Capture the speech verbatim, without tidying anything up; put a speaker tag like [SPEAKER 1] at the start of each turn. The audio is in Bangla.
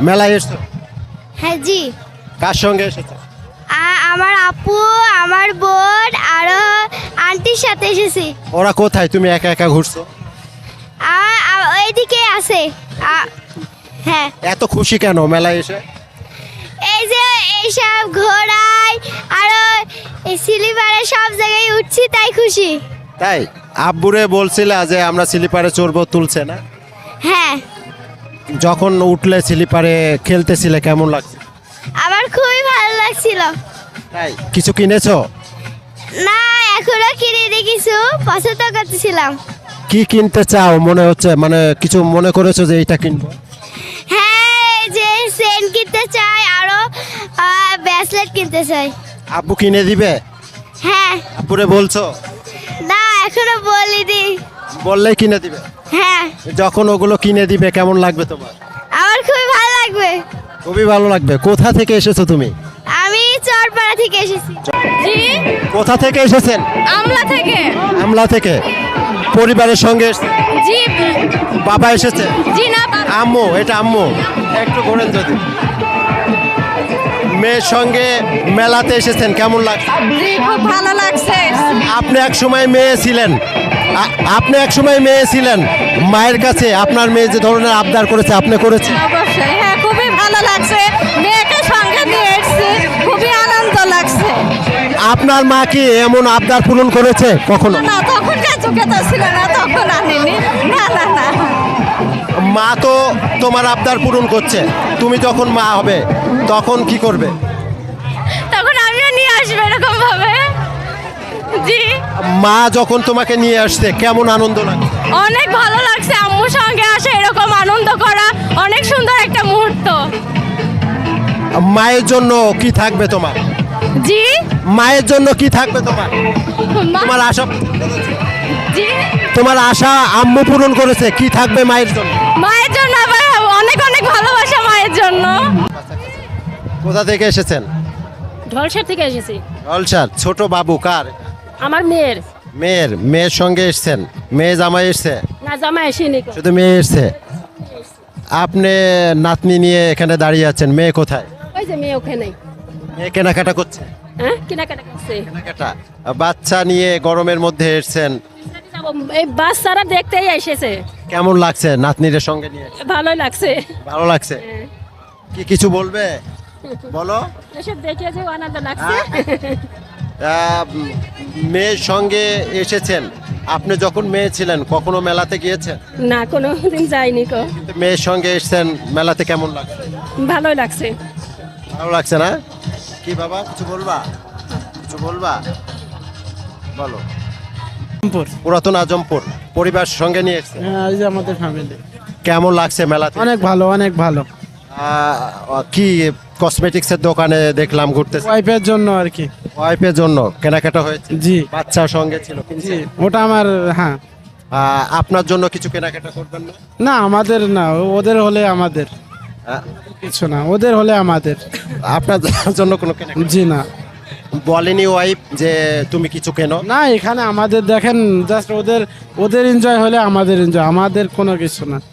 [SPEAKER 1] মেলায় এসছো?
[SPEAKER 2] হ্যাঁ জি।
[SPEAKER 1] কার সঙ্গে এসেছো?
[SPEAKER 2] আ- আমার আপু, আমার বোন আরো আন্টির সাথে এসেছি।
[SPEAKER 1] ওরা কোথায়, তুমি একা একা ঘুরছো?
[SPEAKER 2] আ- আ- ওইদিকে আছে। আ- হ্যাঁ,
[SPEAKER 1] এত খুশি কেন মেলায় এসে?
[SPEAKER 2] এই যে এইসব ঘোড়ায় আরো এই স্লিপারে সব জায়গায় উঠছি তাই খুশি।
[SPEAKER 1] তাই আব্বুরে বলছিলা যে আমরা স্লিপারে চড়বো, তুলছে না?
[SPEAKER 2] হ্যাঁ,
[SPEAKER 1] যখন উঠলে স্লিপারে খেলতেছিলে কেমন লাগছে?
[SPEAKER 2] আমার খুবই ভালো লাগছিল।
[SPEAKER 1] তাই কিছু কিনেছো?
[SPEAKER 2] না, এখনো কিনিনি, কিছু পছন্দ করতেছিলাম।
[SPEAKER 1] কি কিনতে চাও মনে হচ্ছে, মানে কিছু মনে করেছো যে এইটা কিনবো?
[SPEAKER 2] হ্যাঁ, এই যে সেন কিনতে চাই, আরো ব্রেসলেট কিনতে চাই।
[SPEAKER 1] আব্বু কিনে দিবে?
[SPEAKER 2] হ্যাঁ।
[SPEAKER 1] আব্বুরে বলছো?
[SPEAKER 2] না, এখনো বলিনি।
[SPEAKER 1] বললেই কিনে দিবে?
[SPEAKER 2] হ্যাঁ,
[SPEAKER 1] যখন ওগুলো কিনে দিবে কেমন লাগবে তোমার?
[SPEAKER 2] আমার খুবই ভালো লাগবে।
[SPEAKER 1] খুবই ভালো লাগবে। কোথা থেকে এসেছো তুমি?
[SPEAKER 2] আমি চরপাড়া থেকে এসেছি।
[SPEAKER 3] জি,
[SPEAKER 1] কোথা থেকে এসেছেন?
[SPEAKER 3] আমলা থেকে।
[SPEAKER 1] আমলা থেকে। পরিবারের সঙ্গে এসেছেন?
[SPEAKER 3] জি,
[SPEAKER 1] বাবা এসেছে?
[SPEAKER 3] জি না বাবা।
[SPEAKER 1] আম্মু, এটা আম্মু। একটু ঘোরেন যদি। মেয়ের সঙ্গে মেলাতে এসেছেন, কেমন লাগছে?
[SPEAKER 3] জি, খুব ভালো লাগছে।
[SPEAKER 1] আপনি এক সময় মেয়ে ছিলেন, আ- আপনি এক সময় মেয়ে ছিলেন, মায়ের কাছে আপনার মেয়ে যে ধরনের আবদার করেছে আপনি করেছেন?
[SPEAKER 3] অবশ্যই, হ্যাঁ, খুবই ভালো লাগছে। মেয়েকে সঙ্গে নিয়ে এসেছি, খুবই আনন্দ লাগছে।
[SPEAKER 1] আপনার মা কি এমন আবদার পূরণ করেছে কখনো?
[SPEAKER 3] না, তখনকার যুগে তো ছিল না, তখন আনিনি। না না না,
[SPEAKER 1] মা তো তোমার আবদার পূরণ করছে, তুমি যখন মা হবে তখন কি করবে?
[SPEAKER 3] তখন আমিও নিয়ে আসবো এরকম ভাবে। জি,
[SPEAKER 1] মা যখন তোমাকে নিয়ে আসছে কেমন আনন্দ লাগে?
[SPEAKER 3] অনেক ভালো লাগছে। আম্মুর সঙ্গে আসে এরকম আনন্দ করা অনেক সুন্দর একটা মুহূর্ত।
[SPEAKER 1] মায়ের জন্য কি থাকবে তোমার?
[SPEAKER 3] জি,
[SPEAKER 1] মায়ের জন্য কি থাকবে তোমার?
[SPEAKER 3] মা-
[SPEAKER 1] তোমার আশা,
[SPEAKER 3] জি,
[SPEAKER 1] তোমার আশা আম্মু পূরণ করেছে, কি থাকবে মায়ের জন্য?
[SPEAKER 3] মায়ের জন্য আবার অনেক অনেক ভালোবাসা মায়ের জন্য।
[SPEAKER 1] কোথা থেকে এসেছেন?
[SPEAKER 4] ঢলসার থেকে এসেছি।
[SPEAKER 1] অলসার। ছোট বাবু কার?
[SPEAKER 4] আমার মেয়ের।
[SPEAKER 1] মেয়ের। মেয়ের সঙ্গে এসেছেন? মেয়ে জামাই এসছে?
[SPEAKER 4] না, জামা আসেনি কো।
[SPEAKER 1] শুধু মেয়ে এসছে। আপনি নাতনি নিয়ে এখানে দাঁড়িয়ে আছেন, মেয়ে কোথায়?
[SPEAKER 4] ওই যে মেয়ে ওখানে।
[SPEAKER 1] মেয়ে কেনাকাটা করছে?
[SPEAKER 4] হ্যাঁ, কেনাকাটা করছে।
[SPEAKER 1] কেনাকাটা। বাচ্চা নিয়ে গরমের মধ্যে এসেছেন,
[SPEAKER 4] যাবো, এই বাচ্চারা দেখতেই এসেছে।
[SPEAKER 1] কেমন লাগছে নাতনির সঙ্গে নিয়ে?
[SPEAKER 4] ভালোই লাগছে।
[SPEAKER 1] ভালো লাগছে।
[SPEAKER 4] হ্যাঁ।
[SPEAKER 1] কি কিছু বলবে বলো?
[SPEAKER 4] এসব দেখে যে আনন্দ লাগছে।
[SPEAKER 1] আহ, মেয়ের সঙ্গে এসেছেন, আপনি যখন মেয়ে ছিলেন কখনো মেলাতে গিয়েছেন?
[SPEAKER 4] না, কোনো দিন যাইনি কো।
[SPEAKER 1] কিন্তু মেয়ের সঙ্গে এসেছেন, মেলাতে কেমন লাগছে?
[SPEAKER 4] ভালোই লাগছে।
[SPEAKER 1] ভালো লাগছে না? কি বাবা, কিছু বলবা? কিছু বলবা, বলো। পুরাতন আজমপুর পরিবার সঙ্গে নিয়ে এসেছেন,
[SPEAKER 5] হ্যাঁ, এই যে আমাদের ফ্যামিলি।
[SPEAKER 1] কেমন লাগছে মেলাতে?
[SPEAKER 5] অনেক ভালো, অনেক ভালো।
[SPEAKER 1] আহ, কি কসমেটিক্সের দোকানে দেখলাম ঘুরতেছে,
[SPEAKER 5] ওয়াইফের জন্য আর কি।
[SPEAKER 1] ওয়াইফের জন্য কেনাকাটা হয়েছে?
[SPEAKER 5] জি
[SPEAKER 1] বাচ্চার সঙ্গে ছিল,
[SPEAKER 5] জি,
[SPEAKER 1] কিনছে?
[SPEAKER 5] ওটা আমার। হ্যাঁ,
[SPEAKER 1] আহ, আপনার জন্য কিছু কেনাকাটা করবেন না?
[SPEAKER 5] না আমাদের না, ওদের হলে আমাদের
[SPEAKER 1] আহ,
[SPEAKER 5] কিছু না, ওদের হলে আমাদের।
[SPEAKER 1] আপনার জন্য কোনো কেনাকাটা
[SPEAKER 5] জি না,
[SPEAKER 1] বলেনি ওয়াইফ যে তুমি কিছু কেনো?
[SPEAKER 5] না এখানে আমাদের দেখেন, জাস্ট ওদের ওদের এনজয় হলে আমাদের এনজয়, আমাদের কোনো কিছু না।